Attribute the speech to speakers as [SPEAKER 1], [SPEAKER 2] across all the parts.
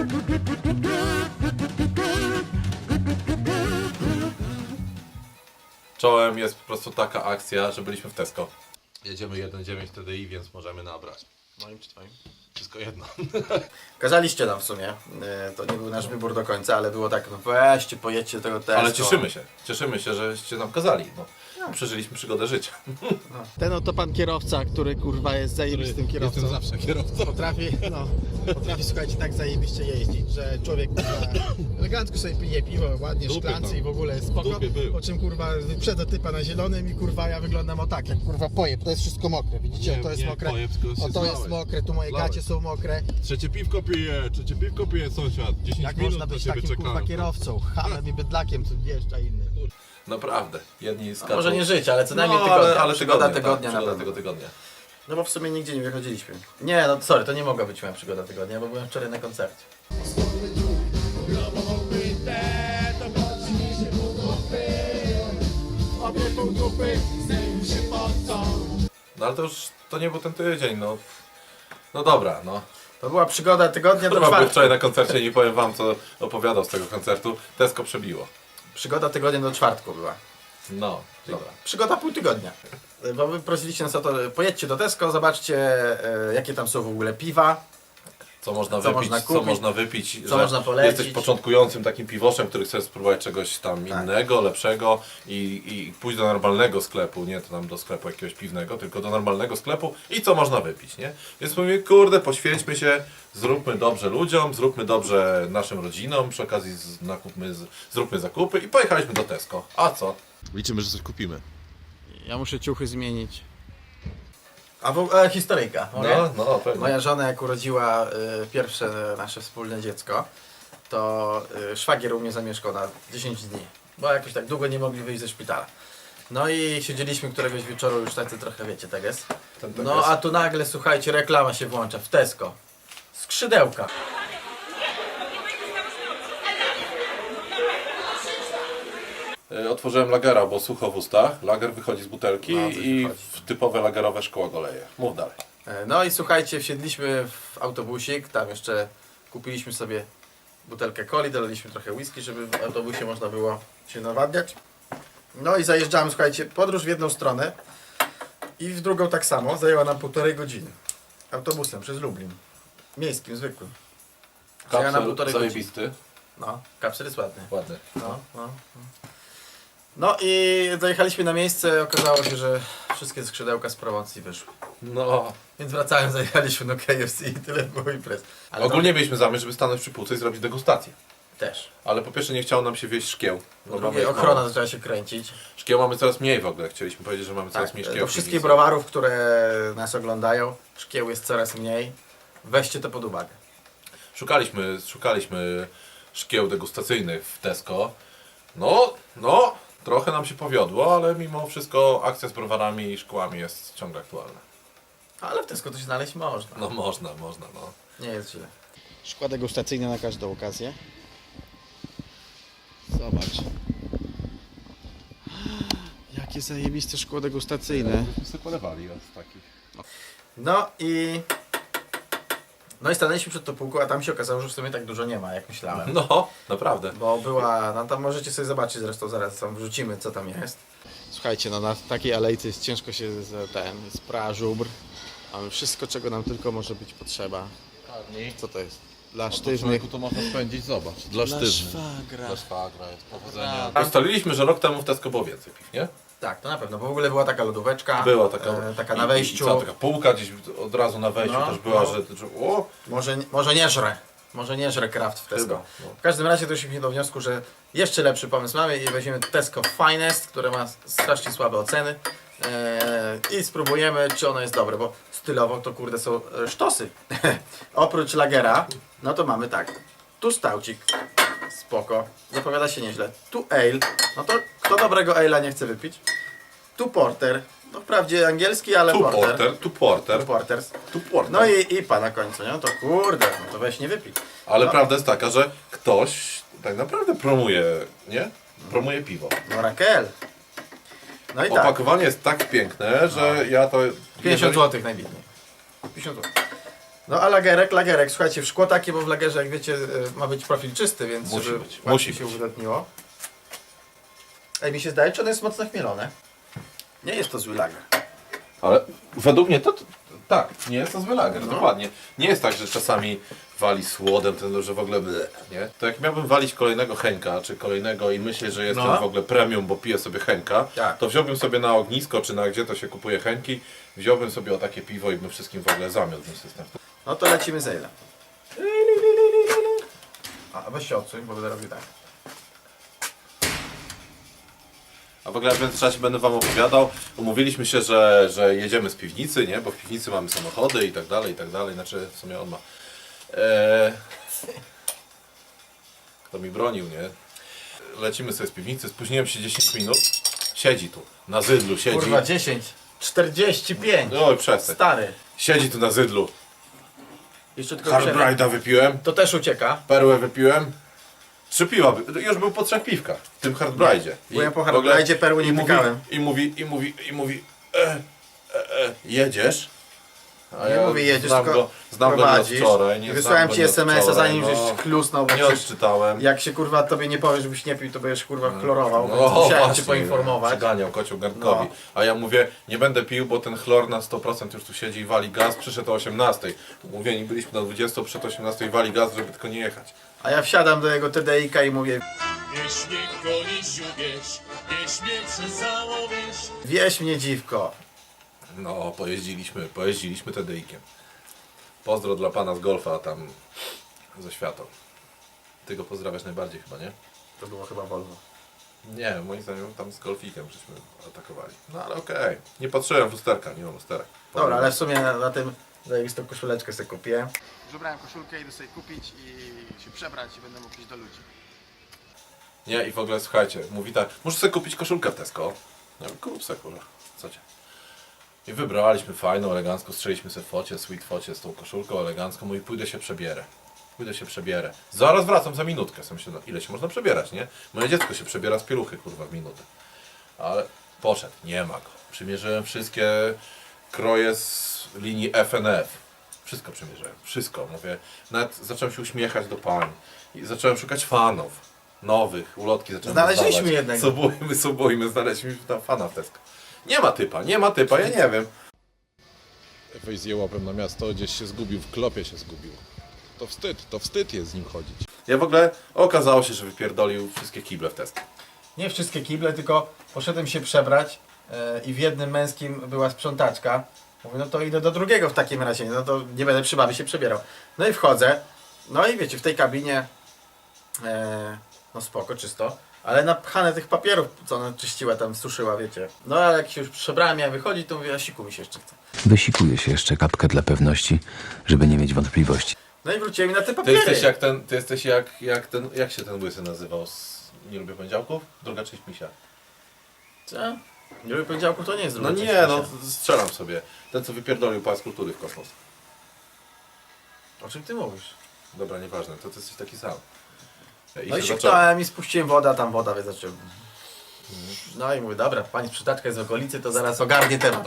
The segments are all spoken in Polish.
[SPEAKER 1] Czołem jest po prostu taka akcja, że byliśmy w Tesco. Jedziemy 1.9 TDI, więc możemy nabrać.
[SPEAKER 2] Moim czy twoim?
[SPEAKER 1] Wszystko jedno.
[SPEAKER 2] Kazaliście nam w sumie, to nie był nasz wybór do końca, ale było tak, no weźcie, pojedźcie do tego Tesco.
[SPEAKER 1] Ale cieszymy się, żeście nam kazali. No. Przeżyliśmy przygodę życia.
[SPEAKER 3] Ten oto pan kierowca, który kurwa jest zajebistym kierowcą.
[SPEAKER 1] Jestem zawsze kierowcą.
[SPEAKER 3] Potrafi, słuchajcie, tak zajebiście jeździć, że człowiek elegancko sobie pije piwo, ładnie w szklance i w ogóle jest spoko. Po czym kurwa wyprzedza typa na zielonym i kurwa ja wyglądam o tak, jak kurwa pojeb. To jest wszystko mokre, widzicie? To jest mokre. O to jest mokre, tu moje gacie są mokre.
[SPEAKER 1] Trzecie piwko pije sąsiad. 10
[SPEAKER 3] Jak
[SPEAKER 1] minut
[SPEAKER 3] można
[SPEAKER 1] na
[SPEAKER 3] być
[SPEAKER 1] siebie
[SPEAKER 3] takim kurwa
[SPEAKER 1] czekamy.
[SPEAKER 3] kierowcą? Hamem i bydlakiem, co wjeżdża inny.
[SPEAKER 1] Naprawdę. Jedni skaczą.
[SPEAKER 2] Może nie żyć, ale co najmniej
[SPEAKER 1] No,
[SPEAKER 2] tygodnia.
[SPEAKER 1] ale
[SPEAKER 2] Przygoda
[SPEAKER 1] tygodnia,
[SPEAKER 2] tygodnia
[SPEAKER 1] tak,
[SPEAKER 2] na
[SPEAKER 1] przygoda
[SPEAKER 2] pewno.
[SPEAKER 1] tego tygodnia.
[SPEAKER 2] No bo w sumie nigdzie nie wychodziliśmy. Nie, no sorry, to nie mogła być moja przygoda tygodnia, bo byłem wczoraj na koncercie.
[SPEAKER 1] No ale to nie był ten tydzień, no. No dobra, no.
[SPEAKER 2] To była przygoda tygodnia do
[SPEAKER 1] Chyba byłem
[SPEAKER 2] czwartku.
[SPEAKER 1] wczoraj na koncercie i nie powiem wam, co opowiadał z tego koncertu. Tesco przebiło.
[SPEAKER 2] Przygoda tygodnia do czwartku była.
[SPEAKER 1] No, dobra.
[SPEAKER 2] Przygoda pół tygodnia. Bo wy prosiliście nas o to, pojedźcie do Tesco, zobaczcie jakie tam są w ogóle piwa.
[SPEAKER 1] Co można
[SPEAKER 2] Co
[SPEAKER 1] wypić,
[SPEAKER 2] można kupić,
[SPEAKER 1] co można wypić,
[SPEAKER 2] co można polecić.
[SPEAKER 1] jesteś początkującym takim piwoszem, który chce spróbować czegoś tam innego, lepszego i pójść do normalnego sklepu, nie to tam do sklepu jakiegoś piwnego, tylko do normalnego sklepu i co można wypić, nie? Więc mówię, kurde, poświęćmy się, zróbmy dobrze ludziom, zróbmy dobrze naszym rodzinom, przy okazji zróbmy zakupy i pojechaliśmy do Tesco. A co? Liczymy, że coś kupimy.
[SPEAKER 3] Ja muszę ciuchy zmienić.
[SPEAKER 2] A historyjka.
[SPEAKER 1] No, pewnie.
[SPEAKER 2] Moja żona jak urodziła pierwsze nasze wspólne dziecko, to szwagier u mnie zamieszkał na 10 dni. Bo jakoś tak długo nie mogli wyjść ze szpitala. No i siedzieliśmy któregoś wieczoru już tacy trochę, wiecie, tak jest. No a tu nagle, słuchajcie, reklama się włącza w Tesco. Skrzydełka.
[SPEAKER 1] Otworzyłem lagera, bo sucho w ustach. Lager wychodzi z butelki
[SPEAKER 2] No, coś
[SPEAKER 1] i
[SPEAKER 2] wychodzi.
[SPEAKER 1] w typowe lagerowe szkło go leje. Mów dalej.
[SPEAKER 2] No i słuchajcie, wsiedliśmy w autobusik, tam jeszcze kupiliśmy sobie butelkę coli, dolaliśmy trochę whisky, żeby w autobusie można było się nawadniać. No i zajeżdżamy, słuchajcie, podróż w jedną stronę i w drugą tak samo, zajęła nam 1,5 godziny. Autobusem przez Lublin. Miejskim, zwykłym. Zajęła nam 1,5 godziny.
[SPEAKER 1] Zajebisty.
[SPEAKER 2] No, kapsel jest ładny.
[SPEAKER 1] Ładny.
[SPEAKER 2] No i dojechaliśmy na miejsce, okazało się, że wszystkie skrzydełka z promocji wyszły.
[SPEAKER 1] No.
[SPEAKER 2] Więc wracając, zajechaliśmy do KFC i tyle było imprez. Ale
[SPEAKER 1] Ogólnie mieliśmy zamiar, żeby stanąć przy półce i zrobić degustację.
[SPEAKER 2] to też.
[SPEAKER 1] Ale po pierwsze nie chciało nam się wieść szkieł.
[SPEAKER 2] Po
[SPEAKER 1] Bo
[SPEAKER 2] drugie,
[SPEAKER 1] mamy ich
[SPEAKER 2] ochrona
[SPEAKER 1] mało.
[SPEAKER 2] zaczęła się kręcić.
[SPEAKER 1] Szkieł mamy coraz mniej w ogóle. Chcieliśmy powiedzieć, że mamy coraz
[SPEAKER 2] Tak,
[SPEAKER 1] mniej szkieł.
[SPEAKER 2] do
[SPEAKER 1] w
[SPEAKER 2] wszystkich
[SPEAKER 1] piwnicy.
[SPEAKER 2] browarów, które nas oglądają, szkieł jest coraz mniej. Weźcie to pod uwagę.
[SPEAKER 1] Szukaliśmy szkieł degustacyjnych w Tesco. No, trochę nam się powiodło, ale mimo wszystko akcja z browarami i szkłami jest ciągle aktualna.
[SPEAKER 2] Ale w Tesco to się znaleźć można.
[SPEAKER 1] No można, no.
[SPEAKER 2] Nie jest źle.
[SPEAKER 3] Szkła degustacyjne na każdą okazję. Zobacz. Jakie zajebiste szkło degustacyjne.
[SPEAKER 1] Myśmy sobie polewali od takich.
[SPEAKER 2] No i stanęliśmy przed tą półką, a tam się okazało, że w sumie tak dużo nie ma, jak myślałem.
[SPEAKER 1] No, naprawdę.
[SPEAKER 2] Bo była, no tam możecie sobie zobaczyć, zresztą zaraz tam wrzucimy, co tam jest.
[SPEAKER 3] Słuchajcie, no na takiej alejce jest ciężko się jest pra, żubr. Mamy wszystko, czego nam tylko może być potrzeba. Co to jest? Dla sztywnych.
[SPEAKER 1] to można spędzić, zobacz. Dla
[SPEAKER 3] szwagra.
[SPEAKER 1] Dla szwagra jest powodzenia. Ustaliliśmy, że rok temu w Tesco było więcej piw, nie?
[SPEAKER 2] Tak, to na pewno, bo w ogóle była taka lodóweczka.
[SPEAKER 1] Była taka,
[SPEAKER 2] taka na wejściu.
[SPEAKER 1] I cała taka półka gdzieś od razu na wejściu
[SPEAKER 2] No,
[SPEAKER 1] też była,
[SPEAKER 2] no.
[SPEAKER 1] że o,
[SPEAKER 2] Może nie żre Kraft w Tesco.
[SPEAKER 1] Chyba, no.
[SPEAKER 2] W każdym razie doszliśmy do wniosku, że jeszcze lepszy pomysł mamy i weźmiemy Tesco Finest, które ma strasznie słabe oceny i spróbujemy, czy ono jest dobre, bo stylowo to kurde są sztosy. Oprócz lagera, no to mamy tak, tu staucik, spoko, zapowiada się nieźle, tu ale, no to kto dobrego ale'a nie chce wypić, tu porter, no wprawdzie angielski, ale
[SPEAKER 1] tu
[SPEAKER 2] porter.
[SPEAKER 1] porters.
[SPEAKER 2] No i IPA na końcu, nie? No to kurde, no to weź nie wypij.
[SPEAKER 1] Ale
[SPEAKER 2] no.
[SPEAKER 1] prawda jest taka, że ktoś tak naprawdę promuje, nie? Promuje piwo.
[SPEAKER 2] No Raquel. No i tak,
[SPEAKER 1] Opakowanie jest tak piękne, że ja to...
[SPEAKER 2] 50 zł najbiedniej. 50 zł. No a lagerek, słuchajcie, w szkło takie, bo w lagerze, jak wiecie, ma być profil czysty, więc
[SPEAKER 1] Musi
[SPEAKER 2] żeby
[SPEAKER 1] być,
[SPEAKER 2] łatwiej
[SPEAKER 1] musi
[SPEAKER 2] się
[SPEAKER 1] być.
[SPEAKER 2] uwydatniło. Ej, mi się zdaje, czy ono jest mocno chmielone? Nie jest to zły lager.
[SPEAKER 1] Ale według mnie to tak, nie jest to zły lager, dokładnie. Nie jest tak, że czasami wali słodem, ten, że w ogóle nie? To jak miałbym walić kolejnego Henka, czy kolejnego i myślę, że jestem
[SPEAKER 2] No.
[SPEAKER 1] w ogóle premium, bo piję sobie Henka,
[SPEAKER 2] Tak.
[SPEAKER 1] to wziąłbym sobie na ognisko, czy na gdzie to się kupuje Henki, wziąłbym sobie o takie piwo i bym wszystkim w ogóle zamiótł ten system.
[SPEAKER 2] No to lecimy z Ale'em. A weź się odsuń, bo będę robił tak.
[SPEAKER 1] A w ogóle w międzyczasie będę wam opowiadał. Umówiliśmy się, że jedziemy z piwnicy, nie? Bo w piwnicy mamy samochody i tak dalej, i tak dalej. Znaczy w sumie on ma. Kto mi bronił, nie? Lecimy sobie z piwnicy, spóźniłem się 10 minut. Siedzi tu, na zydlu siedzi.
[SPEAKER 2] Kurwa, 10, 45.
[SPEAKER 1] Oj, przestań.
[SPEAKER 2] Stary.
[SPEAKER 1] Siedzi tu na zydlu.
[SPEAKER 2] Jeszcze tylko
[SPEAKER 1] Hard
[SPEAKER 2] przerwę.
[SPEAKER 1] Bride'a wypiłem,
[SPEAKER 2] To też ucieka.
[SPEAKER 1] perłę wypiłem. 3 piwa, już był po 3 piwkach w tym Hard Bride'zie.
[SPEAKER 2] Bo ja po
[SPEAKER 1] w
[SPEAKER 2] Hard
[SPEAKER 1] ogóle-
[SPEAKER 2] Bride'zie perły nie
[SPEAKER 1] i mówi,
[SPEAKER 2] pykałem.
[SPEAKER 1] I mówi, jedziesz? A
[SPEAKER 2] Nie mówię jedziesz,
[SPEAKER 1] znam
[SPEAKER 2] tylko
[SPEAKER 1] go, znam go nie od
[SPEAKER 2] prowadzisz.
[SPEAKER 1] wczoraj. Nie
[SPEAKER 2] Wysłałem
[SPEAKER 1] znam
[SPEAKER 2] ci
[SPEAKER 1] go nie od
[SPEAKER 2] SMS-a,
[SPEAKER 1] wczoraj,
[SPEAKER 2] zanim
[SPEAKER 1] no.
[SPEAKER 2] żeś chlusnął, bo
[SPEAKER 1] Nie
[SPEAKER 2] przecież
[SPEAKER 1] odczytałem.
[SPEAKER 2] jak się kurwa tobie nie powie, żebyś nie pił, to będziesz kurwa chlorował, więc
[SPEAKER 1] No,
[SPEAKER 2] musiałem
[SPEAKER 1] właśnie,
[SPEAKER 2] cię poinformować.
[SPEAKER 1] Przyganiał kocioł garnkowi.
[SPEAKER 2] No.
[SPEAKER 1] A ja mówię, nie będę pił, bo ten chlor na 100% już tu siedzi i wali gaz. Przyszedł o 18. Mówieni byliśmy na 20, przed 18 wali gaz, żeby tylko nie jechać.
[SPEAKER 2] A ja wsiadam do jego TDI-ka i mówię,
[SPEAKER 4] Wieś mnie gonić uwierz, wieś mnie przezało wieś.
[SPEAKER 2] wieś mnie dziwko.
[SPEAKER 1] No, pojeździliśmy TDI-kiem. Pozdro dla pana z golfa tam ze światą. Ty go pozdrawiasz najbardziej chyba, nie?
[SPEAKER 2] To było chyba Volvo.
[SPEAKER 1] Nie, moim zdaniem tam z golfikiem żeśmy atakowali. No ale okej. Nie patrzyłem w lusterka, nie mam lusterek.
[SPEAKER 2] Dobra, ale w sumie na tym zajebistą koszuleczkę sobie kupię. Wybrałem koszulkę, idę sobie kupić i się przebrać i będę mógł iść do ludzi.
[SPEAKER 1] Nie, i w ogóle słuchajcie, mówi tak, muszę sobie kupić koszulkę w Tesco. Ja mówię, kup sobie, kurwa, co cię. I wybraliśmy fajną, elegancko, strzeliśmy sobie focie, sweet focie z tą koszulką elegancką, mówi, pójdę się przebierę. Zaraz wracam za minutkę. Sam myślę, no ile się można przebierać, nie? Moje dziecko się przebiera z pieluchy, kurwa, w minutę. Ale poszedł, nie ma go. Przymierzyłem wszystkie kroje z linii FNF. Wszystko przymierzyłem, wszystko. Mówię, nawet zacząłem się uśmiechać do pań. I zacząłem szukać fanów. Nowych, ulotki zacząłem
[SPEAKER 2] Znaleźliśmy
[SPEAKER 1] dostawać.
[SPEAKER 2] jednego.
[SPEAKER 1] Subujmy, znaleźliśmy tam fana w Tesco. Nie ma typa, ja nie wiem. Weź je łapem na miasto, gdzieś się zgubił, w klopie się zgubił. To wstyd jest z nim chodzić. Ja w ogóle okazało się, że wypierdolił wszystkie kible w Tesco.
[SPEAKER 2] Nie wszystkie kible, tylko poszedłem się przebrać i w jednym męskim była sprzątaczka. Mówię, no to idę do drugiego w takim razie, no to nie będę przy babie się przebierał. No i wchodzę, no i wiecie, w tej kabinie, no spoko, czysto, ale napchane tych papierów, co ona czyściła tam, suszyła, wiecie. No a jak się już przebrałem, miałem wychodzić, to mówię, a siku mi się jeszcze chce.
[SPEAKER 5] Wysikuje się jeszcze kapkę dla pewności, żeby nie mieć wątpliwości.
[SPEAKER 2] No i wróciłem mi na te
[SPEAKER 1] Ty
[SPEAKER 2] papiery.
[SPEAKER 1] jesteś jak ten, jak się ten łysy nazywał z Nie lubię poniedziałków? Druga część misia.
[SPEAKER 2] Co? Nie lubię poniedziałku, to nie jest
[SPEAKER 1] No
[SPEAKER 2] druga
[SPEAKER 1] nie,
[SPEAKER 2] część
[SPEAKER 1] no
[SPEAKER 2] misia.
[SPEAKER 1] strzelam sobie. Ten co wypierdolił Pałac Kultury w kosmos.
[SPEAKER 2] O czym ty mówisz?
[SPEAKER 1] Dobra, nieważne, to ty jesteś taki sam. I
[SPEAKER 2] No i
[SPEAKER 1] się
[SPEAKER 2] się
[SPEAKER 1] zaczęło.
[SPEAKER 2] knąłem i spuściłem wodę, a tam woda, więc zacząłem. No i mówię, dobra, pani sprzątaczka jest z okolicy, to zaraz ogarnie temat.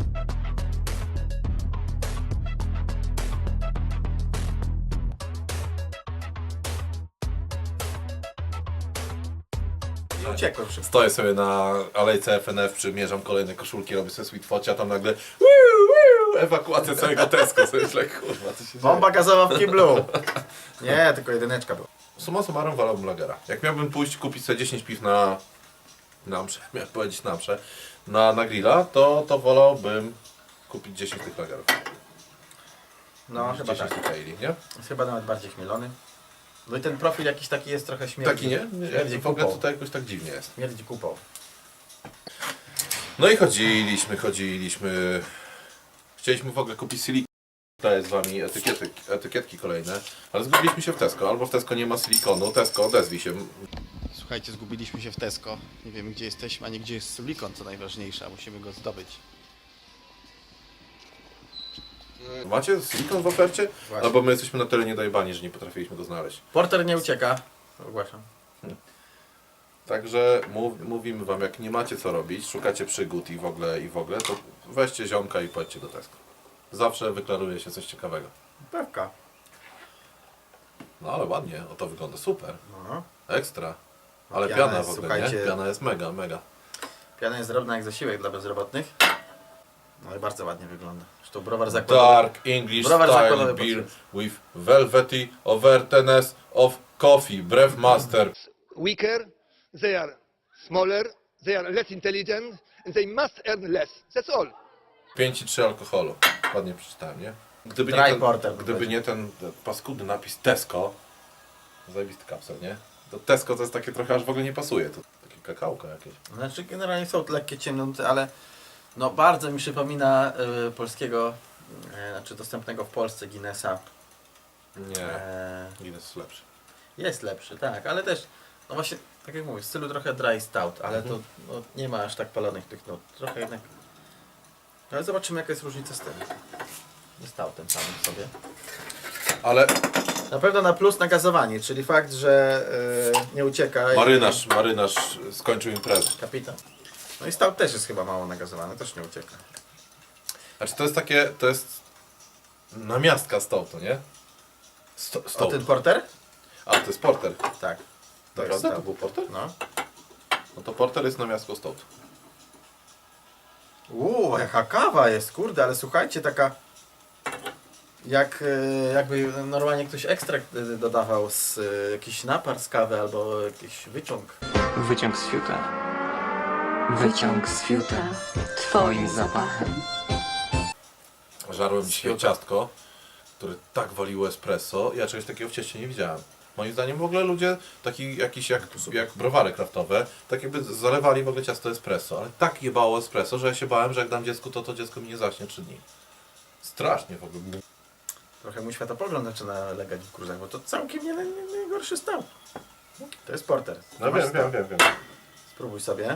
[SPEAKER 2] I uciekłem szybko.
[SPEAKER 1] Stoję sobie na alejce FNF, przymierzam kolejne koszulki, robię sobie sweet focie, a tam nagle ewakuacja całego Tesco. Sobie myślę, kurwa, co się dzieje?
[SPEAKER 2] Bomba gazowa w kiblu. Nie, tylko jedyneczka była.
[SPEAKER 1] Summa summarum wolałbym lagera. Jak miałbym pójść kupić sobie 10 piw na mszę, miałem powiedzieć na mszę, na grilla, to wolałbym kupić 10 tych lagerów.
[SPEAKER 2] No, chyba
[SPEAKER 1] 10
[SPEAKER 2] tak.
[SPEAKER 1] tych ale, nie?
[SPEAKER 2] Jest chyba nawet bardziej chmielony. No i ten profil jakiś taki jest trochę śmierdzi.
[SPEAKER 1] Taki nie?
[SPEAKER 2] Śmierdzi
[SPEAKER 1] W ogóle
[SPEAKER 2] kupą.
[SPEAKER 1] tutaj jakoś tak dziwnie jest.
[SPEAKER 2] Śmierdzi kupą.
[SPEAKER 1] No i chodziliśmy. Chcieliśmy w ogóle kupić silikon. Daję z wami etykietki kolejne, ale zgubiliśmy się w Tesco. Albo w Tesco nie ma silikonu. Tesco, odezwij się.
[SPEAKER 3] Słuchajcie, zgubiliśmy się w Tesco. Nie wiemy gdzie jesteśmy, ani gdzie jest silikon, co najważniejsze, a musimy go zdobyć.
[SPEAKER 1] Macie silikon w ofercie?
[SPEAKER 2] Właśnie.
[SPEAKER 1] Albo my jesteśmy na tyle niedojebani, że nie potrafiliśmy go znaleźć.
[SPEAKER 2] Porter nie ucieka. Ogłaszam.
[SPEAKER 1] Także mówimy wam, jak nie macie co robić, szukacie przygód i w ogóle, to weźcie ziomka i pojedźcie do Tesco. Zawsze wyklaruje się coś ciekawego.
[SPEAKER 2] Pewka.
[SPEAKER 1] No ale ładnie, o to wygląda super.
[SPEAKER 2] No.
[SPEAKER 1] Ekstra. Ale
[SPEAKER 2] Piana
[SPEAKER 1] piana
[SPEAKER 2] jest,
[SPEAKER 1] w ogóle,
[SPEAKER 2] słuchajcie-
[SPEAKER 1] nie? Piana jest mega, mega.
[SPEAKER 2] Piana jest drobna jak zasiłek dla bezrobotnych. No i bardzo ładnie wygląda. Zresztą browar zakładowy.
[SPEAKER 1] Dark English
[SPEAKER 2] Browar
[SPEAKER 1] style
[SPEAKER 2] zakładowy
[SPEAKER 1] beer
[SPEAKER 2] podszedł.
[SPEAKER 1] with velvety overtness of coffee. Brewmaster.
[SPEAKER 6] weaker, they are smaller, they are less intelligent, and they must earn less. That's all.
[SPEAKER 1] 5,3 alkoholu. Ładnie przeczytałem, nie? Gdyby
[SPEAKER 2] Dry
[SPEAKER 1] nie ten,
[SPEAKER 2] porter
[SPEAKER 1] gdyby
[SPEAKER 2] będzie.
[SPEAKER 1] nie ten paskudny napis Tesco, zajebisty kapsel, nie? To Tesco to jest takie trochę aż w ogóle nie pasuje. To takie kakałko jakieś.
[SPEAKER 2] Znaczy generalnie są lekkie ciemnoty, ale no bardzo mi przypomina polskiego, znaczy dostępnego w Polsce Guinnessa.
[SPEAKER 1] Nie,
[SPEAKER 2] E,
[SPEAKER 1] Guinness jest lepszy.
[SPEAKER 2] jest lepszy, tak, ale też, no właśnie, tak jak mówię, w stylu trochę dry stout, ale to no, nie ma aż tak palonych tych nut. Trochę jednak. Ale zobaczymy jaka jest różnica z tym. Nie stoutem samym sobie.
[SPEAKER 1] Ale
[SPEAKER 2] Na pewno na plus nagazowanie, czyli fakt, że nie ucieka.
[SPEAKER 1] marynarz skończył imprezę.
[SPEAKER 2] Kapitan. No i stout też jest chyba mało nagazowany, też nie ucieka.
[SPEAKER 1] Znaczy to jest takie, to jest namiastka stoutu, nie?
[SPEAKER 2] O
[SPEAKER 1] Stout.
[SPEAKER 2] ten porter?
[SPEAKER 1] A, to jest porter.
[SPEAKER 2] Tak. To jest
[SPEAKER 1] Naprawdę? To
[SPEAKER 2] stout.
[SPEAKER 1] był porter?
[SPEAKER 2] No.
[SPEAKER 1] No to porter jest namiastką stoutu.
[SPEAKER 2] Jaka kawa jest, kurde, ale słuchajcie, taka jakby normalnie ktoś ekstrakt dodawał z jakiś napar z kawy albo jakiś wyciąg.
[SPEAKER 7] Wyciąg z fiuta. Wyciąg z fiuta. Twoim zapachem.
[SPEAKER 1] Żarłem dzisiaj
[SPEAKER 2] Fiuta.
[SPEAKER 1] ciastko, które tak waliło espresso. Ja czegoś takiego w cieście nie widziałem. Moim zdaniem w ogóle ludzie, taki jakiś jak browary kraftowe, tak jakby zalewali w ogóle ciasto espresso, ale tak jebało espresso, że ja się bałem, że jak dam dziecku, to dziecko mi nie zaśnie 3 dni. Strasznie w ogóle.
[SPEAKER 2] Trochę mój światopogląd zaczyna legać w kurzach, bo to całkiem nie gorszy stout. To jest porter.
[SPEAKER 1] No
[SPEAKER 2] Masz
[SPEAKER 1] wiem.
[SPEAKER 2] stout. Spróbuj sobie.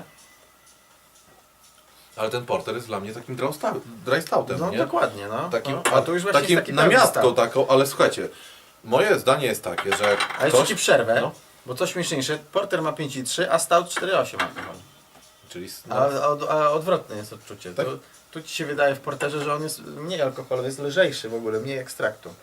[SPEAKER 1] Ale ten porter jest dla mnie takim dry stoutem,
[SPEAKER 2] No
[SPEAKER 1] nie?
[SPEAKER 2] dokładnie, no.
[SPEAKER 1] Takim,
[SPEAKER 2] no. A tu już właśnie
[SPEAKER 1] takim
[SPEAKER 2] jest taki pełny
[SPEAKER 1] namiastką
[SPEAKER 2] stout.
[SPEAKER 1] taką, ale słuchajcie, moje zdanie jest takie, że jak
[SPEAKER 2] A jeszcze
[SPEAKER 1] ktoś,
[SPEAKER 2] ci przerwę,
[SPEAKER 1] No.
[SPEAKER 2] bo coś śmieszniejsze, porter ma 5,3, a stout 4,8 alkohol.
[SPEAKER 1] czyli
[SPEAKER 2] A odwrotne jest odczucie.
[SPEAKER 1] Tak.
[SPEAKER 2] Tu ci się wydaje w porterze, że on jest mniej alkoholowy, jest lżejszy w ogóle, mniej ekstraktu.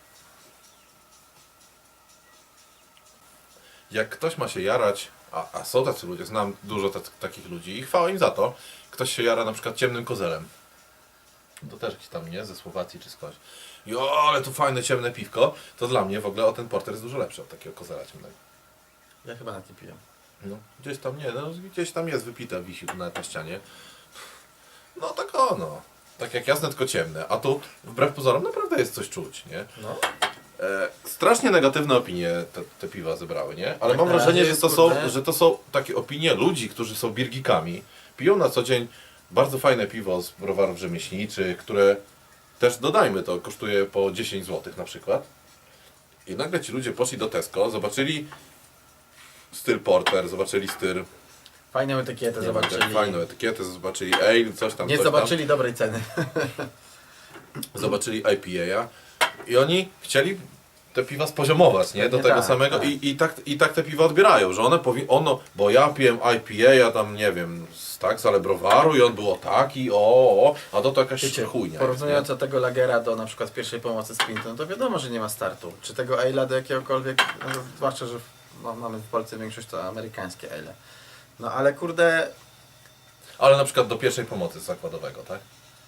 [SPEAKER 1] jak ktoś ma się jarać, a są tacy ludzie, znam dużo takich ludzi i chwała im za to, ktoś się jara na przykład ciemnym kozelem. To też jakiś tam, nie? Ze Słowacji czy skądś. I ale tu fajne ciemne piwko, to dla mnie w ogóle o ten porter jest dużo lepszy od takiego kozela ciemnego.
[SPEAKER 2] Ja chyba na tym piję.
[SPEAKER 1] No, gdzieś tam nie, no gdzieś tam jest wypite, wisi tu nawet na ścianie. No tak no. Tak jak jasne, tylko ciemne. A tu wbrew pozorom naprawdę jest coś czuć, nie?
[SPEAKER 2] No.
[SPEAKER 1] Strasznie negatywne opinie te piwa zebrały, nie? Ale
[SPEAKER 2] Tak
[SPEAKER 1] mam
[SPEAKER 2] na
[SPEAKER 1] wrażenie,
[SPEAKER 2] razie
[SPEAKER 1] że to,
[SPEAKER 2] jest,
[SPEAKER 1] są,
[SPEAKER 2] kurde.
[SPEAKER 1] że to są takie opinie ludzi, którzy są birgikami, piją na co dzień bardzo fajne piwo z browarów rzemieślniczych, które też, dodajmy to, kosztuje po 10 zł na przykład. I nagle ci ludzie poszli do Tesco, zobaczyli styl porter, zobaczyli styl,
[SPEAKER 2] Fajną etykietę
[SPEAKER 1] nie
[SPEAKER 2] zobaczyli.
[SPEAKER 1] wiem, fajną etykietę, zobaczyli ale, coś tam,
[SPEAKER 2] Nie
[SPEAKER 1] coś
[SPEAKER 2] zobaczyli dobrej ceny.
[SPEAKER 1] tam. Zobaczyli IPA i oni chcieli te piwa spoziomować, nie? Do
[SPEAKER 2] Pewnie
[SPEAKER 1] tego
[SPEAKER 2] tak,
[SPEAKER 1] samego
[SPEAKER 2] tak.
[SPEAKER 1] I tak te piwa odbierają, że one bo ja piłem IPA, ja tam nie wiem, z ale browaru i on było taki, a to jakaś
[SPEAKER 2] Wiecie,
[SPEAKER 1] chujnia jest,
[SPEAKER 2] porównując
[SPEAKER 1] nie?
[SPEAKER 2] do tego lagera do na przykład pierwszej pomocy z Pinton, to wiadomo, że nie ma startu. Czy tego ale'a do jakiegokolwiek, no, zwłaszcza, że mamy w Polsce większość to amerykańskie ale. No ale kurde,
[SPEAKER 1] Ale na przykład do pierwszej pomocy zakładowego, tak?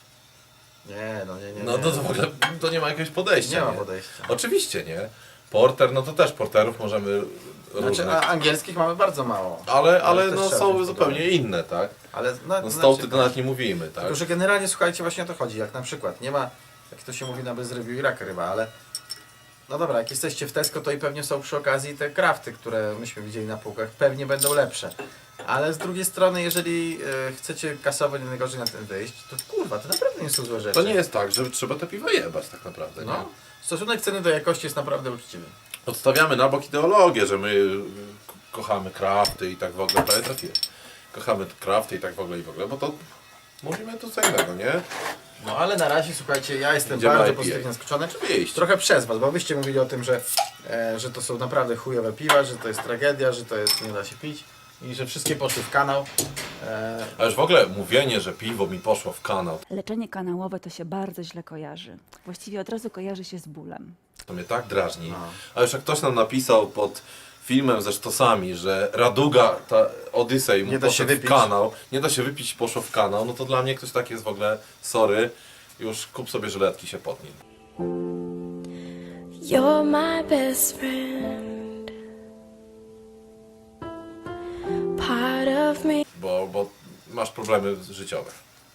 [SPEAKER 2] nie.
[SPEAKER 1] No to w ogóle to nie ma jakiegoś podejścia.
[SPEAKER 2] Nie ma podejścia.
[SPEAKER 1] Oczywiście, nie? Porter, no to też porterów możemy różnych.
[SPEAKER 2] Znaczy, a angielskich mamy bardzo mało.
[SPEAKER 1] Ale
[SPEAKER 2] też
[SPEAKER 1] no
[SPEAKER 2] trzeba
[SPEAKER 1] są
[SPEAKER 2] wziąć
[SPEAKER 1] zupełnie
[SPEAKER 2] pod uwagę.
[SPEAKER 1] inne, tak?
[SPEAKER 2] Ale
[SPEAKER 1] No stouty to nawet nie mówimy, tak?
[SPEAKER 2] Tylko, że generalnie, słuchajcie, właśnie o to chodzi. Jak na przykład, nie ma, jak to się mówi na bez review i rak ryba, ale no dobra, jak jesteście w Tesco, to i pewnie są przy okazji te crafty, które myśmy widzieli na półkach, pewnie będą lepsze. Ale z drugiej strony, jeżeli chcecie kasowo nie najgorzej na tym wyjść, to kurwa, to naprawdę nie są złe rzeczy.
[SPEAKER 1] To nie jest tak, że trzeba te piwa jebać tak naprawdę, nie?
[SPEAKER 2] No, stosunek ceny do jakości jest naprawdę uczciwy.
[SPEAKER 1] Odstawiamy na bok ideologię, że my kochamy crafty i tak w ogóle, prawie trafiłem. Kochamy crafty i tak w ogóle, bo to mówimy tu co innego, nie?
[SPEAKER 2] No ale na razie, słuchajcie, ja jestem
[SPEAKER 1] Idziemy
[SPEAKER 2] bardzo
[SPEAKER 1] IPA.
[SPEAKER 2] pozytywnie zaskoczony.
[SPEAKER 1] Iść.
[SPEAKER 2] Trochę przez was, bo wyście mówili o tym, że to są naprawdę chujowe piwa, że to jest tragedia, że to jest nie da się pić i że wszystkie poszły w kanał.
[SPEAKER 1] A już w ogóle mówienie, że piwo mi poszło w kanał,
[SPEAKER 8] Leczenie kanałowe to się bardzo źle kojarzy. Właściwie od razu kojarzy się z bólem.
[SPEAKER 1] to mnie tak drażni. A już jak ktoś nam napisał pod filmem ze sztosami, że Raduga, ta Odyssey mu
[SPEAKER 2] Nie da się
[SPEAKER 1] poszedł w
[SPEAKER 2] wypić.
[SPEAKER 1] kanał, nie da się wypić, poszło w kanał, no to dla mnie ktoś taki jest w ogóle, sorry, już kup sobie żyletki, się potnij.
[SPEAKER 9] You're my best friend, part of me.
[SPEAKER 1] Bo masz problemy życiowe.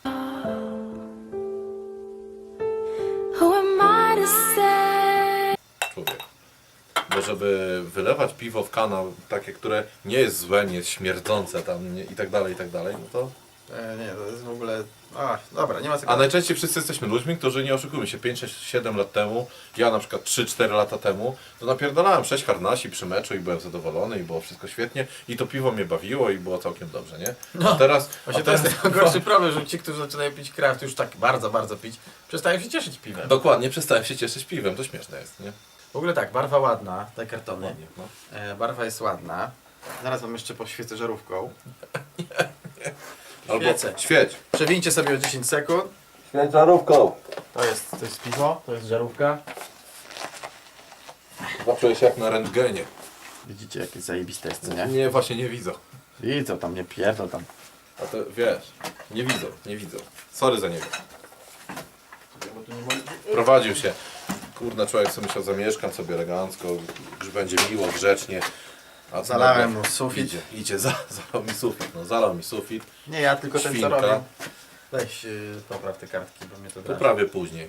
[SPEAKER 9] Who am I to say?
[SPEAKER 1] Człowiek. Bo żeby wylewać piwo w kanał, takie, które nie jest złe, nie jest śmierdzące tam nie, i tak dalej, no to...
[SPEAKER 2] Nie, to jest w ogóle... Dobra, nie ma co
[SPEAKER 1] A najczęściej wszyscy jesteśmy ludźmi, którzy, nie oszukujmy się, 5, 6, 7 lat temu, ja na przykład 3-4 lata temu, to napierdalałem 6 harnasi przy meczu i byłem zadowolony i było wszystko świetnie i to piwo mnie bawiło i było całkiem dobrze, nie?
[SPEAKER 2] No.
[SPEAKER 1] A teraz...
[SPEAKER 2] Właśnie to jest najgorszy problem, że ci, którzy zaczynają pić kraft już tak bardzo, bardzo pić, przestają się cieszyć piwem.
[SPEAKER 1] Dokładnie, przestałem się cieszyć piwem, to śmieszne jest, nie?
[SPEAKER 2] W ogóle tak, barwa ładna, te kartony.
[SPEAKER 1] Ładnie, no.
[SPEAKER 2] Barwa jest ładna. Zaraz wam jeszcze poświecę żarówką.
[SPEAKER 1] Albo
[SPEAKER 2] Świecę.
[SPEAKER 1] świeć.
[SPEAKER 2] Przewincie sobie o 10 sekund.
[SPEAKER 1] Świeć żarówką.
[SPEAKER 2] To jest piwo, to jest żarówka.
[SPEAKER 1] Zacząłeś jak na rentgenie.
[SPEAKER 2] Widzicie, jakie zajebiste jest, co nie?
[SPEAKER 1] Nie, właśnie nie widzą.
[SPEAKER 2] Widzą tam, nie pierdol tam.
[SPEAKER 1] A to wiesz, nie widzą. Sorry za niego. Prowadził się. Kurna, człowiek sobie myślał, zamieszkam sobie elegancko, już będzie miło, grzecznie. A co
[SPEAKER 2] Zalałem
[SPEAKER 1] nagle
[SPEAKER 2] mu sufit.
[SPEAKER 1] Idzie, zalał mi sufit. No, zalał mi sufit.
[SPEAKER 2] Nie, ja tylko ten co
[SPEAKER 1] Świnka.
[SPEAKER 2] robię. Weź popraw te kartki, bo mnie to drażni.
[SPEAKER 1] Poprawię później.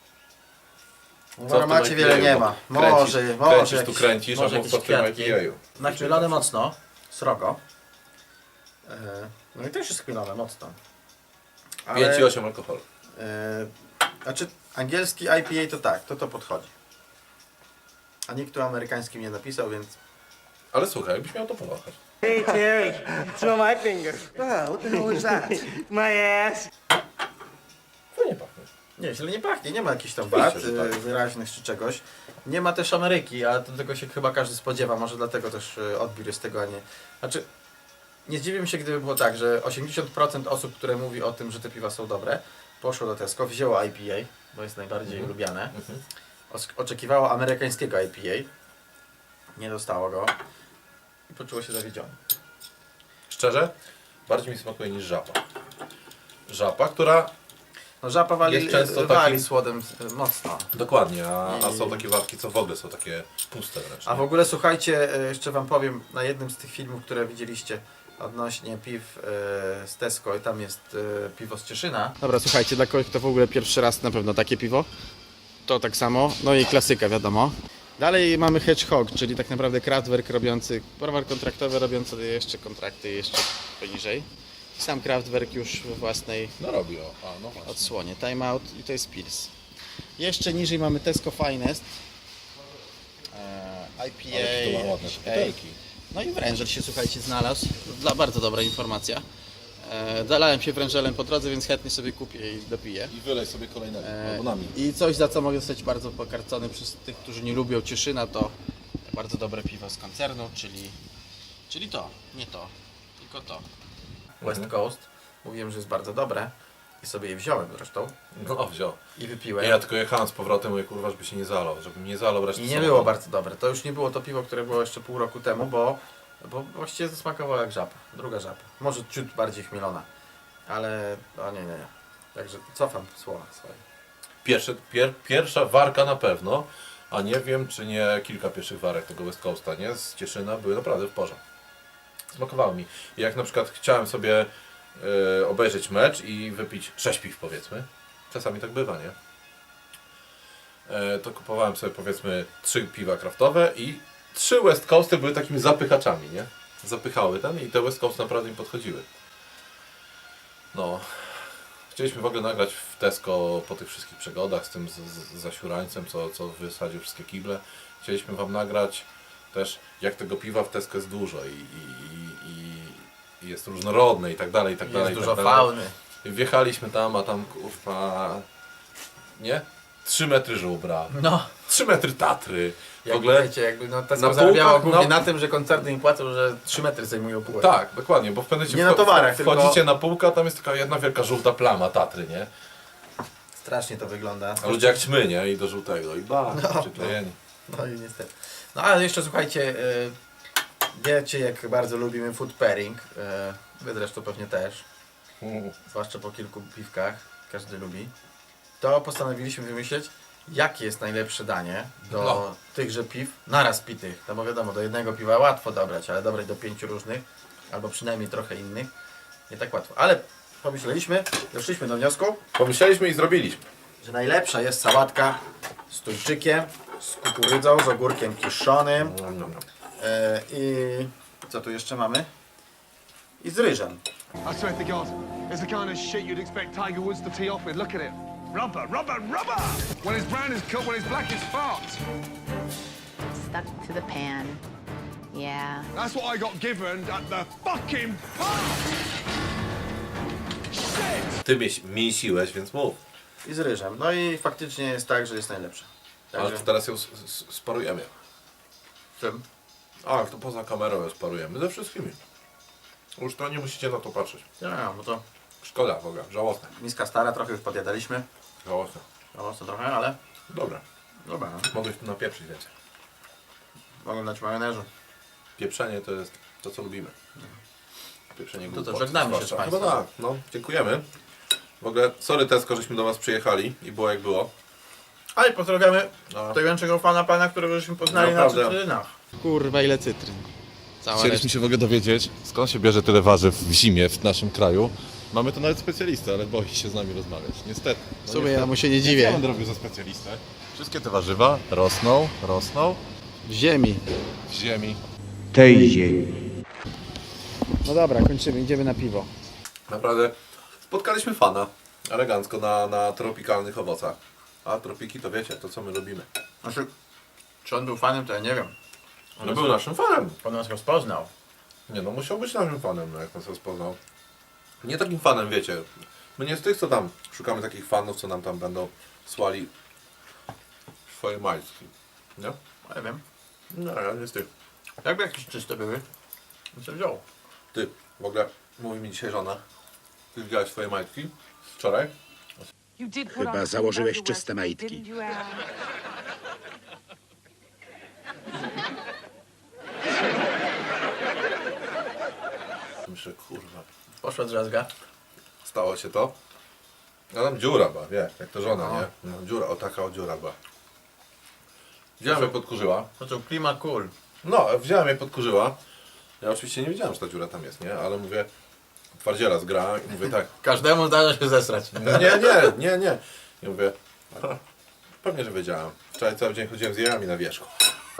[SPEAKER 2] W
[SPEAKER 1] Co w
[SPEAKER 2] aromacie
[SPEAKER 1] tym
[SPEAKER 2] wiele
[SPEAKER 1] IPA-u?
[SPEAKER 2] nie ma. Może
[SPEAKER 1] kręcisz tu
[SPEAKER 2] jakieś-
[SPEAKER 1] kręcisz, a
[SPEAKER 2] może
[SPEAKER 1] mów co w
[SPEAKER 2] jakieś
[SPEAKER 1] tym
[SPEAKER 2] kwiatki.
[SPEAKER 1] IPA-u.
[SPEAKER 2] Nachmielone mocno, srogo. No i też jest chmielone mocno.
[SPEAKER 1] 5,8 alkoholu.
[SPEAKER 2] Znaczy, angielski IPA to tak, to podchodzi. A nikt tu amerykańskim nie napisał, więc...
[SPEAKER 1] Ale słuchaj, jakbyś miał to powąchać.
[SPEAKER 10] Hey Terry, smell my finger. What the hell is that? My ass.
[SPEAKER 1] Fajnie pachnie.
[SPEAKER 2] Nie, źle nie pachnie, nie ma jakichś tam
[SPEAKER 1] Oczywiście,
[SPEAKER 2] wad
[SPEAKER 1] że tak.
[SPEAKER 2] wyraźnych czy czegoś. Nie ma też Ameryki, a do tego się chyba każdy spodziewa, może dlatego też odbiór jest tego, a nie... Znaczy, nie zdziwię się, gdyby było tak, że 80% osób, które mówi o tym, że te piwa są dobre, poszło do Tesco, wzięło IPA, bo jest najbardziej lubiane, oczekiwało amerykańskiego IPA, nie dostało go i poczuło się zawiedzione.
[SPEAKER 1] Szczerze, bardziej mi smakuje niż żaba. Żaba, która...
[SPEAKER 2] No żapa wali,
[SPEAKER 1] Jest często
[SPEAKER 2] wali
[SPEAKER 1] takim-
[SPEAKER 2] słodem mocno.
[SPEAKER 1] Dokładnie, a są takie warki, co w ogóle są takie puste wręcz.
[SPEAKER 2] A w ogóle słuchajcie, jeszcze wam powiem, na jednym z tych filmów, które widzieliście odnośnie piw z Tesco i tam jest piwo z Cieszyna. Dobra, słuchajcie, dla kogoś, kto w ogóle pierwszy raz na pewno takie piwo, to tak samo, no i klasyka wiadomo. Dalej mamy Hedgehog, czyli tak naprawdę Kraftwerk robiący, browar kontraktowy robiący jeszcze kontrakty jeszcze poniżej. I sam Kraftwerk już we własnej
[SPEAKER 1] No robi, no właśnie.
[SPEAKER 2] odsłonie. Time Out i to jest Pils. Jeszcze niżej mamy Tesco Finest. IPA.
[SPEAKER 1] Ale to ma ładne butelki.
[SPEAKER 2] No i wrężel się, słuchajcie, znalazł. Bardzo dobra informacja. Dalałem się wrężelem po drodze, więc chętnie sobie kupię i dopiję.
[SPEAKER 1] I wylej sobie kolejnego, albo nami.
[SPEAKER 2] I coś, za co mogę zostać bardzo pokarcony przez tych, którzy nie lubią Cieszyna, to bardzo dobre piwo z koncernu, czyli to, nie to, tylko to. West Coast. Mówiłem, że jest bardzo dobre i sobie je wziąłem zresztą
[SPEAKER 1] No wziął.
[SPEAKER 2] i wypiłem.
[SPEAKER 1] Ja tylko jechałem z powrotem, mówię, kurwa, żeby się nie zalał, żebym nie zalał reszty
[SPEAKER 2] I nie
[SPEAKER 1] samochodu.
[SPEAKER 2] było bardzo dobre. To już nie było to piwo, które było jeszcze pół roku temu, bo właściwie zasmakowało jak żaba. Druga żaba. Może ciut bardziej chmielona. Ale nie. Także cofam słowa swoje.
[SPEAKER 1] Pierwsza warka na pewno, a nie wiem, czy nie kilka pierwszych warek tego West Coasta, nie? Z Cieszyna były naprawdę w porządku. Smakowało mi. I jak na przykład chciałem sobie obejrzeć mecz i wypić 6 piw, powiedzmy, czasami tak bywa, nie? To kupowałem sobie, powiedzmy, 3 piwa kraftowe i 3 West Coasty były takimi zapychaczami, nie? Zapychały ten i te West Coast naprawdę im podchodziły. No. Chcieliśmy w ogóle nagrać w Tesco po tych wszystkich przygodach z tym zasiurańcem, co wysadził wszystkie kible. Chcieliśmy wam nagrać też, jak tego piwa w Tesco jest dużo i jest różnorodne i tak dalej, i tak dalej.
[SPEAKER 2] Jest
[SPEAKER 1] i
[SPEAKER 2] dużo
[SPEAKER 1] tak dalej.
[SPEAKER 2] fauny.
[SPEAKER 1] I wjechaliśmy tam, a tam kurwa... Nie? 3 metry żubra,
[SPEAKER 2] No.
[SPEAKER 1] 3 metry Tatry,
[SPEAKER 2] Jak
[SPEAKER 1] ogóle
[SPEAKER 2] wiecie, jakby no,
[SPEAKER 1] na
[SPEAKER 2] Tesco zarabiało
[SPEAKER 1] półkach,
[SPEAKER 2] głównie
[SPEAKER 1] no.
[SPEAKER 2] na tym, że koncerny im płacą, że 3 metry zajmują półek.
[SPEAKER 1] Tak, dokładnie, bo w pewnym
[SPEAKER 2] Nie na towarach,
[SPEAKER 1] wchodzicie
[SPEAKER 2] tylko-
[SPEAKER 1] na półkę, a tam jest taka jedna wielka żółta plama Tatry, nie?
[SPEAKER 2] Strasznie to wygląda.
[SPEAKER 1] A ludzie jak ćmy, nie? I do żółtego. I przyklejeni.
[SPEAKER 2] No i niestety. No ale jeszcze słuchajcie, wiecie jak bardzo lubimy food pairing. Wy zresztą pewnie też. Zwłaszcza po kilku piwkach. Każdy lubi. To postanowiliśmy wymyśleć, jakie jest najlepsze danie do
[SPEAKER 1] No.
[SPEAKER 2] tychże piw naraz pitych. No bo wiadomo, do jednego piwa łatwo dobrać, ale dobrać do 5 różnych, albo przynajmniej trochę innych, nie tak łatwo. Ale pomyśleliśmy, doszliśmy do wniosku,
[SPEAKER 1] Pomyśleliśmy i zrobiliśmy.
[SPEAKER 2] że najlepsza jest sałatka z tuńczykiem, z kukurydzą, z ogórkiem kiszonym i co tu jeszcze mamy? I z ryżem.
[SPEAKER 10] I swear to God, it's the kind of shit you'd expect Tiger Woods to tee off with. Look at it. Rubber, rubber, rubber! When it's brown, it's cut. When it's black, it's fart.
[SPEAKER 9] Stuck to the pan. Yeah.
[SPEAKER 10] That's what I got given at the fucking park! Shit!
[SPEAKER 1] Ty mięsiłeś, więc mów.
[SPEAKER 2] I z ryżem. No i faktycznie jest tak, że jest najlepsza.
[SPEAKER 1] Ale
[SPEAKER 2] Także
[SPEAKER 1] to teraz ją sparujemy.
[SPEAKER 2] czym?
[SPEAKER 1] A, to poza kamerą ją sparujemy. Ze wszystkimi. Już to nie musicie na to patrzeć.
[SPEAKER 2] Ja, bo to
[SPEAKER 1] Szkoda w ogóle, żałosne.
[SPEAKER 2] miska stara, trochę już podjadaliśmy.
[SPEAKER 1] Żałosne.
[SPEAKER 2] Żałosne trochę, ale
[SPEAKER 1] Dobra.
[SPEAKER 2] dobra. No.
[SPEAKER 1] Mogłeś tu napieprzyć więcej.
[SPEAKER 2] Mogę dać majonezu.
[SPEAKER 1] Pieprzenie to jest to, co lubimy. Pieprzenie
[SPEAKER 2] To
[SPEAKER 1] głupoty,
[SPEAKER 2] żegnamy się z
[SPEAKER 1] zwłaszcza.
[SPEAKER 2] państwem.
[SPEAKER 1] Chyba tak, no. Dziękujemy. W ogóle, sorry Tesco, żeśmy do was przyjechali i było jak było.
[SPEAKER 2] Ale pozdrawiamy
[SPEAKER 1] No.
[SPEAKER 2] największego fana pana, którego żeśmy poznali
[SPEAKER 1] Naprawdę.
[SPEAKER 2] na cytrynach.
[SPEAKER 3] Kurwa, ile cytryn. Cała
[SPEAKER 11] Chcieliśmy się w ogóle dowiedzieć, skąd się bierze tyle warzyw w zimie w naszym kraju. Mamy tu nawet specjalistę, ale boi się z nami rozmawiać. Niestety.
[SPEAKER 3] W sumie ja mu się nie
[SPEAKER 11] Ja
[SPEAKER 3] dziwię.
[SPEAKER 11] będę robił za specjalistę. Wszystkie te warzywa rosną
[SPEAKER 3] W ziemi.
[SPEAKER 11] w ziemi.
[SPEAKER 3] No dobra, kończymy, idziemy na piwo.
[SPEAKER 1] Naprawdę spotkaliśmy fana elegancko na tropikalnych owocach. A tropiki to wiecie, to co my lubimy.
[SPEAKER 2] Znaczy, czy on był fanem, to ja nie wiem.
[SPEAKER 1] On był naszym fanem.
[SPEAKER 2] On nas rozpoznał.
[SPEAKER 1] Nie no, musiał być naszym fanem, no, jak nas rozpoznał. Nie takim fanem, wiecie. My nie z tych, co tam szukamy takich fanów, co nam tam będą słali swoje majtki. Nie?
[SPEAKER 2] Nie wiem.
[SPEAKER 1] No, ja nie z tych.
[SPEAKER 2] Jakby jakieś czyste były, to co wziął.
[SPEAKER 1] Ty, w ogóle mówi mi dzisiaj żona. Ty widziałeś swoje majtki? Wczoraj?
[SPEAKER 10] Chyba założyłeś czyste majtki.
[SPEAKER 1] Myślę, kurwa.
[SPEAKER 2] Poszła drzazga.
[SPEAKER 1] Stało się to. A tam dziura była, wiesz, jak to żona, nie? No, dziura, o taka o dziura była. Wziąłem jej podkurzyła.
[SPEAKER 2] To co, klima cool.
[SPEAKER 1] No, wziąłem jej podkurzyła. Ja oczywiście nie wiedziałem, że ta dziura tam jest, nie? Ale mówię, twardziela zgra i mówię tak.
[SPEAKER 2] Każdemu zdarza się zesrać.
[SPEAKER 1] Nie. I mówię, a, pewnie, że wiedziałem. Wczoraj cały dzień chodziłem z jajami na wierzchu.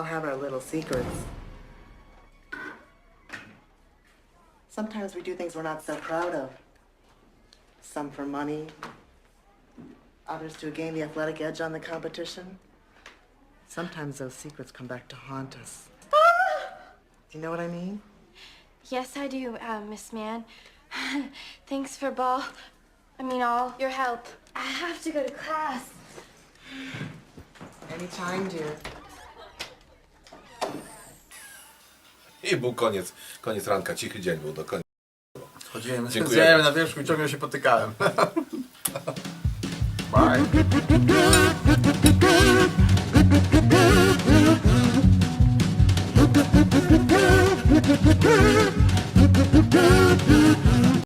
[SPEAKER 10] Sometimes we do things we're not so proud of. Some for money, others to gain the athletic edge on the competition. Sometimes those secrets come back to haunt us. Do you know what I mean?
[SPEAKER 9] Yes, I do, Miss Mann. Thanks for all your help. I have to go to class.
[SPEAKER 10] Anytime, dear.
[SPEAKER 1] I był koniec ranka, cichy dzień był do końca.
[SPEAKER 2] Chodziłem z
[SPEAKER 1] Dziękuję.
[SPEAKER 2] jajami na wierzchu i ciągle się potykałem. Bye.